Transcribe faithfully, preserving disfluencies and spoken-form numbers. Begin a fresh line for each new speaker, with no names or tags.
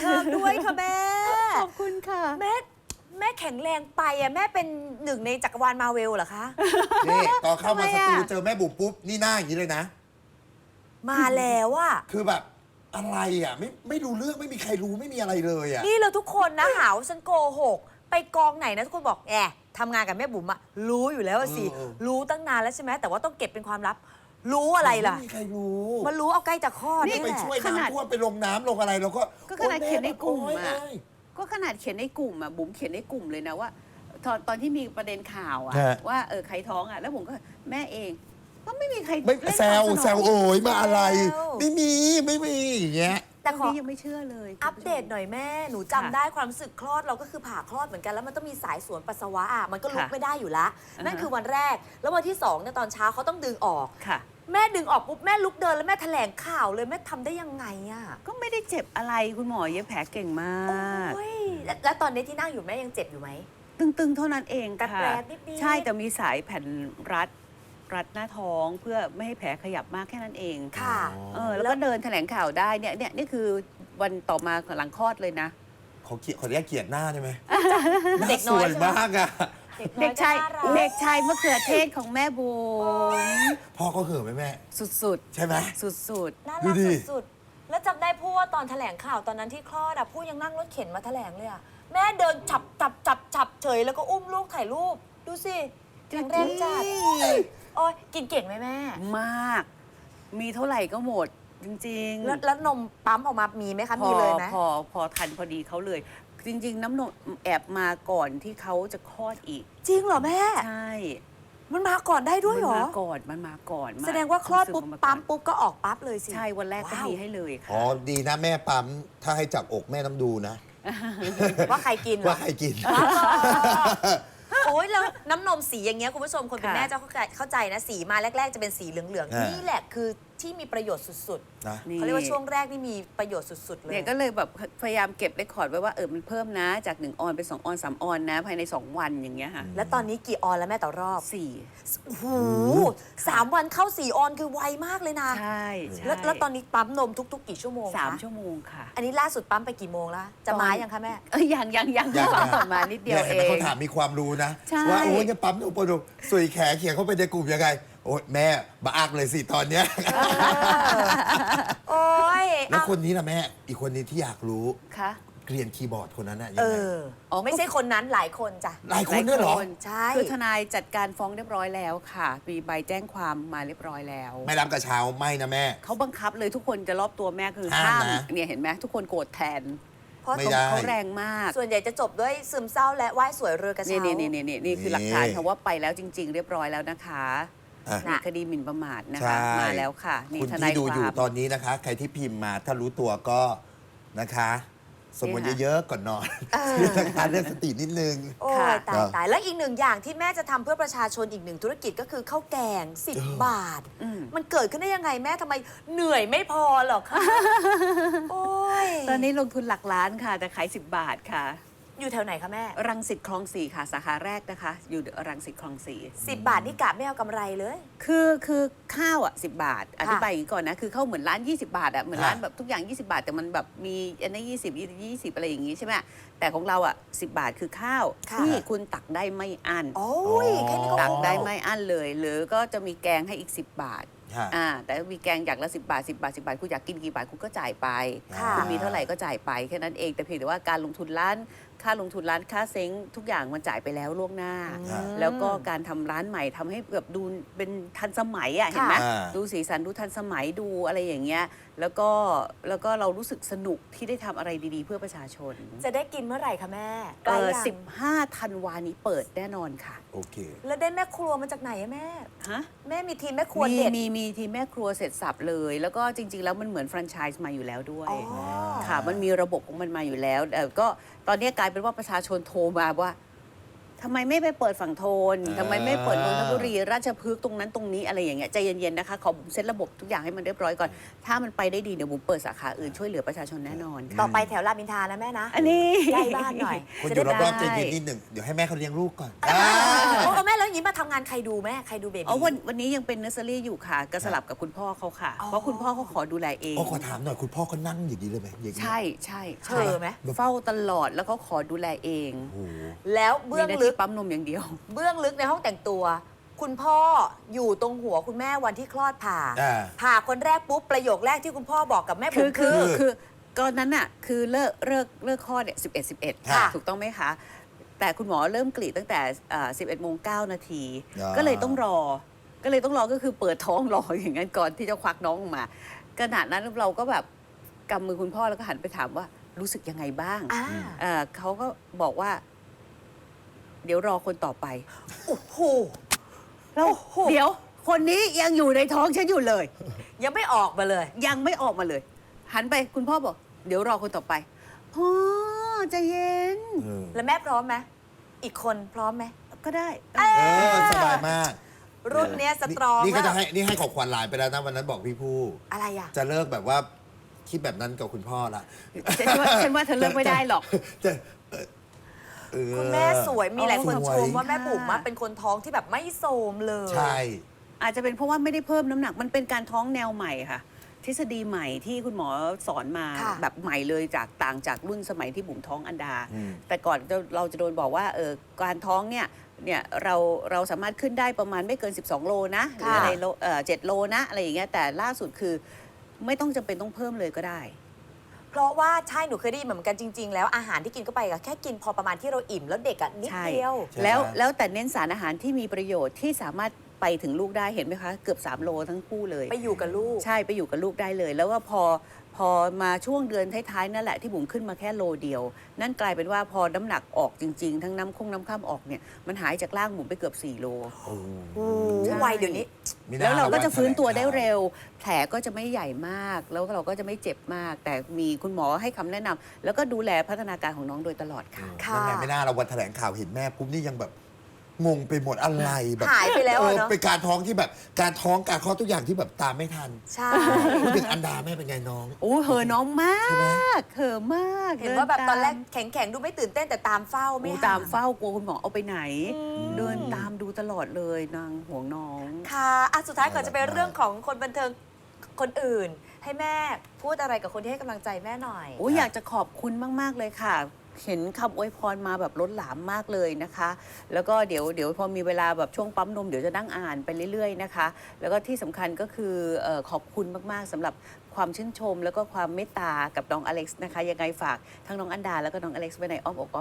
เทิงด้วยค่ะแม่
ขอบคุณค่ะ
แม่แม่แข็งแรงไปอ่ะแม่เป็นหนึ่งในจักรวาลมาเวลเหรอคะ
นี่ตอนเข้ามาสตูเจอแม่บุ๋มปุ๊บนี่หน้าอย่างนี้เลยนะ
มาแล้วอ่ะ
คือแบบอะไรอ่ะไม่ไม่รู้เรื่องไม่มีใครรู้ไม่มีอะไรเลยอ่ะ
นี่เราทุกคนนะหาว่าฉันโกหกไปกองไหนนะทุกคนบอกแอบทำงานกับแม่บุ๋มอะรู้อยู่แล้วสิรู้ตั้งนานแล้วใช่ไหมแต่ว่าต้องเก็บเป็นความลับรู้อะไรล่ะ
ไม่มีใครรู้
มันรู้เอาใกล้จะคลอด
นี่ไปช่วยน้ำท่วมไปลงน้ำลงอะไรเราก็
ก็ขนาดเขียนในกลุ่มอะก็ขนาดเขียนในกลุ่มอะบุ๋มเขียนในกลุ่มเลยนะว่าตอนตอนที่มีประเด็นข่าวอะว่าเออใครท้องอะแล้วผมก็แม่เองก็ไม่มีใคร
ไม่แซวแซวโอยมาอะไรไม่มีไม่มีอย่างเงี้ย
แต่ขอยังไม่เชื่อเลย
อัปเดตหน่อยแม่หนูจำได้ความรู้สึกคลอดเราก็คือผ่าคลอดเหมือนกันแล้วมันต้องมีสายสวนปัสสาวะอ่ะมันก็ลุกไม่ได้อยู่ละนั่นคือวันแรกแล้ววันที่สองเนี่ยตอนเช้าเขาต้องดึงออก
ค่ะ
แม่ดึงออกปุ๊บแม่ลุกเดินแล้วแม่แถลงข่าวเลยแม่ทำได้ยังไงอ่ะ
ก็ไม่ได้เจ็บอะไรคุณหมอเย็บแผลเก่งมาก
แล้วตอนนี้ที่นั่งอยู่แม่ยังเจ็บอยู่ไหม
ตึงๆเท่านั้นเองค่ะใช่แต่มีสายแผ่นรัดรัดหน้าท้องเพื่อไม่ให้แผลขยับมากแค่นั้นเอง
ค่ะ
เออแล้วก็เดินแถลงข่าวได้เนี่ยเนี่ยนี่คือวันต่อมาหลังคลอดเลยนะ
เขาเกลียดเขาเรียกเกลียดหน้าใช่ไหม
เด็กน้อย
สวยมากอะ
เด็กชายเด็กชายมะเขือเทศของแม่บุ๋ม
พ่อเขาเห่อไหมแม่
สุด
ๆใช่ไหม
สุด
ๆน่ารักสุดๆแล้วจำได้พูดว่าตอนแถลงข่าวตอนนั้นที่คลอดอะพูดยังนั่งรถเข็นมาแถลงเลยอะแม่เดินจับจับจับจับเฉยแล้วก็อุ้มลูกถ่ายรูปดูสิแข็งแรงจัดโอ้ยกินเก่งไหมแม่
มากมีเท่าไหร่ก็หมดจริง
ๆแล้วแล้วนมปั๊มออกมามีไหมคะมีเลยไหม
พอพอทันพอดีเขาเลยจริงๆน้ำนมแอบมาก่อนที่เขาจะคลอดอีก
จริงเหรอแม่
ใช่
มันมาก่อนได้ด้วยเหรอ
มันมาก่อนมันมาก่อน
แสดงว่าคลอดปุ๊บปั๊มปุ๊บก็ออกปั๊บเลยสิ
ใช่วันแรกก็มีให้เลยค่ะ
อ๋อดีนะแม่ปั๊มถ้าให้จับอกแม่น้ำดูนะ
ว่าใครกิน
ว่าใครกิน
โอ้ยแล้วน้ำนมสีอย่างเงี้ยคุณผู้ชมคนเป็นแม่จะเข้าใจนะสีมาแรกๆจะเป็นสีเหลืองๆนี่แหละคือที่มีประโยชน์สุดๆเขาเรียกว่าช่วงแรกนี่มีประโยชน์สุดๆเลย
เนี่ยก็เลยแบบพยายามเก็บเรคคอร์ดไว้ว่าเออมันเพิ่มนะจากหนึ่งออนเป็นสองออนสามออนนะภายในสองวันอย่างเงี้ยค่ะ
แล้วตอนนี้กี่ออนแล้วแม่ต่อรอบ
สี่
โอ้โหสามวันเข้าสี่ออนคือไวมากเลยนะ
ใช่
แล้วแล้วตอนนี้ปั๊มนมทุกๆกี่ชั่วโมง
สามชั่วโมงค่ะ
อันนี้ล่าสุดปั๊มไปกี่โมงแล้วจะมายังคะแม่
เออยังยังยังปั๊มมานิดเดียวเอง
เขาถามมีความรู้นะว่าโอ้ยจะปั๊มนมปนมสุยแขเขียนเข้าไปในกลุ่มยังไงโอ้ยแม่บ้าอักเลยสิตอนเนี้ย
โอ้ย
แล้วคนนี้นะแม่อีกคนนี้ที่อยากรู้
ค่ะ
เกลียนคีย์บอร์ดคนนั้นอะยั
ง
ไง
อ๋อไม่ใช่คนนั้นหลายคนจ้ะ
หลายคนด้วยเหรอ
ใช่
คือทนายจัดการฟ้องเรียบร้อยแล้วค่ะมีใบแจ้งความมาเรียบร้อยแล้ว
ไม่รับกระเช้าไม่นะแม่
เขาบังคับเลยทุกคนจะรอบตัวแม่คือห้ามเนี่ยเห็นไหมทุกคนโกรธแทนเพราะเขาแรงมาก
ส่วนใหญ่จะจบด้วยซึมเศร้าและไหว้สวยเรือกระเช้า
นี่นี่นี่นี่นี่คือหลักฐานค่ะว่าไปแล้วจริงๆเรียบร้อยแล้วนะคะนี่คดีหมิ่นประมาทนะคะมาแล้วค่ะ
คุณที่ดูอยู่ตอนนี้นะคะใครที่พิมพ์มาถ้ารู้ตัวก็นะคะสมมติเยอะๆก่อนนอนการเรื่องสตินิดนึง
โอ้ยตายตายแล้วอีกหนึ่งอย่างที่แม่จะทำเพื่อประชาชนอีกหนึ่งธุรกิจก็คือข้าวแกงสิบบาทมันเกิดขึ้นได้ยังไงแม่ทำไมเหนื่อยไม่พอหรอคะโอ้ย
ตอนนี้ลงทุนหลักล้านค่ะแต่ขายสิบบาทค่ะ
อยู่แถวไหนคะแม่
รังสิตคลองสี่ค่ะสาขาแรกนะคะอยู่รังสิตคลองสี่
สิบบาทนี่กะไม่เอากำไรเลย
คือคือข้าวอ่ะสิบบาทอธิบายอย่างนี้ก่อนนะคือข้าวเหมือนร้านยี่สิบบาทอ่ะเหมือนร้านแบบทุกอย่างยี่สิบบาทแต่มันแบบมีอันนี้ยี่สิบยี่สิบอะไรอย่างงี้ใช่ไหมแต่ของเราอ่ะสิบบาทคือข้าวที่คุณตักได้ไม่อั้น
โอ้ยแค่นี้ก็
ตักได้ไม่อั้นเลยหรือก็จะมีแกงให้อีกสิบบาทอ่าแต่มีแกงอย่างละสิบบาทสิบบาทสิบบาทคุณอยากกินกี่บาทคุณก็จ่ายไปคุณมีเท่าไหร่ก็จ่ายไปแค่นั้นเองแต่เพียงแต่ว่าการลงทุนร้านค่าลงทุนร้านค่าเซ้งทุกอย่างมันจ่ายไปแล้วล่วงหน้าแล้วก็การทำร้านใหม่ทำให้แบบดูเป็นทันสมัยอ่ะเห็นไหมดูสีสันดูทันสมัยดูอะไรอย่างเงี้ยแล้วก็แล้วก็เรารู้สึกสนุกที่ได้ทำอะไรดีๆเพื่อประชาชน
จะได้กินเมื่อไหร่คะแม่
เออสิบห้าธันวานี้เปิดแน่นอนค่ะ
โอเค
แล้วได้แม่ครัวมาจากไหนอะแม่
ฮะ
แม่มีทีมแม่ครัวเด็ด
มีมีทีมแม่ครัวเสร็จสับเลยแล้วก็จริงๆแล้วมันเหมือนแฟรนไชส์มาอยู่แล้วด้วยค่ะมันมีระบบของมันมาอยู่แล้วแต่ก็ตอนนี้กลายเป็นว่าประชาชนโทรมาว่าทำไมไม่ไปเปิดฝั่งโทน
อ่า
ทำไมไม่เปิดนนทบุรีราชพฤกษ์ตรงนั้นตรงนี้อะไรอย่างเงี้ยใจเย็นๆนะคะขอบุ๋มเซตระบบทุกอย่างให้มันเรียบร้อยก่อน ถ้ามันไปได้ดีเดี๋ยวบุ๋มเปิดสาขาอื่นช่วยเหลือประชาชนแน่นอน
ต่อ
ค่ะ
ไปแถวรามอินทรานะแม่นะ
อันนี้
ใกล้บ้านหน่อย
คนอ
จะ
ยู่
ได้
รอบๆใจ
ได้
เย็นนิดหนึ่งเดี๋ยวให้แม่เขาเลี้ยงลูกก่อน
โอ้แม่แล้วอย่างนี้มาทำงานใครดูแม่ใครดูเบบี
อ๋อวันวันนี้ยังเป็นเนอร์เซอรี่อยู่ค่ะก็สลับกับคุณพ่อเขาค่ะ
อ๋อ
เพราะคุณพ่อเขาขอดูแลเอง
โอ้ขอถามหน่อยคุณพ่อเขานั่งอย่างนี้เลยไหมอย่างนี้
ใช่ใช่
เธ
ใช่
อไหม
เฝ้าตลอดแล้วเขาขอดูแลเอง
โอ้โห
แล้วเบื้อง
มีหน้า
ลึ
ที่
ก
ปั๊มนมอย่างเดียว
เบื้องลึกในห้องแต่งตัว คุณพ่ออยู่ตรงหัวคุณแม่วันที่คลอดผ่า
อ่า
ผ่าคนแรกปุ๊บประโยคแรกที่คุณพ่อบอกกับแม่
คื
บุ๋
อ
ม
คื
คือ อ
คือก่อนนั้นน่ะคือเลิกเลิกเลิกคลอดเนี่ยสิบเอ็ดสิบเอ็ด
ค่ะ
ถูกต้องไหมคะ แต่คุณหมอเริ่มกรีดตั้งแต่สิบเอ็ดโมงเก้านาที
อ่า
ก็เลยต้องรอ ก็เลยต้องรอก็คือเปิดท้องรออย่างนั้นก่อนที่จะควักน้องออกมาขณะนั้นเราก็แบบกำมือคุณพ่อแล้วก็หันไปถามว่ารู้สึกยังไงบ้าง
อ่า
เอ่อเขาก็บอกว่า เดี๋ยวรอคนต่อไป
โอ้โห
แล้ว
โอ้โห
เดี๋ยวคนนี้ยังอยู่ในท้องฉันอยู่เลย
ยังไม่ออกมาเลย
ยังไม่ออกมาเลย หันไปคุณพ่อบอก เดี๋ยวรอคนต่อไปพ่อใจเย็น
เออ
แล้วแม่พร้อมไหมอีกคนพร้อมไหม
ก็ได้
เออสบายมาก
รุ่นเนี้ยสตรอง
นี่ก็
แล้
จะ
ว
ให้นี่ให้ของขวัญหลานไปแล้วนะวันนั้นบอกพี่ผู้
อะไรอ่ะ
จะเลิกแบบว่าคิดแบบนั้นกับคุณพ่อละ
ฉันว่าฉันว่าเธอเลิกไม่ได้หรอก
จะเออเออ
คุณแม่สวยมีหลายคน
ส
ช
วย
มว่าแม่บุ๋มอะ
ค่ะ
เป็นคนท้องที่แบบไม่โทรมเลย
ใช่
อาจจะเป็นเพราะว่าไม่ได้เพิ่มน้ำหนัก มันเป็นการท้องแนวใหม่ค่ะ ทฤษฎีใหม่ที่คุณหมอสอนมา
ค่ะ
แบบใหม่เลยจากต่างจากรุ่นสมัยที่บุ๋มท้องอันดา
อืม
แต่ก่อนเราเราจะโดนบอกว่าเออการท้องเนี่ยเนี่ยเราเราสามารถขึ้นได้ประมาณไม่เกิน สิบสอง โลนะหรือ
ค่ะ
อะไรโลเอ่อเจ็ดโลนะอะไรอย่างเงี้ยแต่ล่าสุดคือไม่ต้องจำเป็นต้องเพิ่มเลยก็ได้
เพราะว่าใช่หนูเคยได้ยินเหมือนกันจริง ๆ แล้วอาหารที่กินเข้าไปก็แค่กินพอประมาณที่เราอิ่มแล้วเด็กอะนิด
ใช่
เดียว
ใช่
แล้วแล้วแต่เน้นสารอาหารที่มีประโยชน์ที่สามารถไปถึงลูกได้เห็นไหมคะ เกือบ สาม โลทั้งคู่เลย
ไปอยู่กับลูก
ใช่ไปอยู่กับลูกได้เลย แล้วก็พอพอมาช่วงเดือนท้ายๆนั่นแหละที่บุ๋มขึ้นมาแค่โลเดียว นั่นกลายเป็นว่าพอน้ำหนักออกจริง ๆ ทั้งน้ำคงน้ำข้ามออกเนี่ยมันหายจากร่างบุ๋มไปเกือบสี่โล
โอ้
โอ้
ใช่
วัยเดี๋ยวนี้
มีหน้
แล้วเราก็จะฟื้นตัวได้
แถลงข่า
เร็ว แผลก็จะไม่ใหญ่มาก แล้วเราก็จะไม่เจ็บมาก แต่มีคุณหมอให้คำแนะนำแล้วก็ดูแลพัฒนาการของน้องโดยตลอดค่ะ
ค่ะ
นั่นไงไม่น่าเราวันแถลงข่าวเห็นแม่ปุ๊บนี่ยังแบบงงไปหมดอะไรแบบ
หายไปแล้ว
เอ
อะ
อ
เนาะ
เป็นการท้องที่แบบการท้องการคลอดทุกอย่างที่แบบตามไม่ทัน
ใช่
พูดถึงอันดาแม่เป็นไงน้อง
โอ้เหอะน้องมาก
ใช่ไหม
เหอะมาก
เห็นว่าแบบตอนแรก
เดิ
แข็งๆ ดูไม่ตื่นเต้นแต่ตามเฝ้า
ตาม
ไม่
โอ้
ห่ง
ตามเฝ้ากลัวคุณหมอเอาไปไหน
อืม
เดินตามดูตลอดเลยนางห่วงน้อง
ค่ะอ่ะสุดท้ายก่อนจะเป็น
น่ารักมาก
เรื่องของคนบันเทิงคนอื่น ให้แม่พูดอะไรกับคนที่ให้กำลังใจแม่หน่อย
โอ้ยอยากจะขอบคุณมาก ๆ เลยค่ะ เห็นคำอวยพรมาแบบล้นหลามมากเลยนะคะ แล้วก็เดี๋ยวเดี๋ยวพอมีเวลาแบบช่วงปั๊มนมเดี๋ยวจะนั่งอ่านไปเรื่อย ๆ นะคะ แล้วก็ที่สำคัญก็คือเอ่อขอบคุณมาก ๆสำหรับความชื่นชม แล้วก็ความเมตตากับน้องอเล็กซ์นะคะ ยังไงฝากทั้งน้องอันดาแล้วก็น้องอเล็กซ์ไว้ในอ้อมอก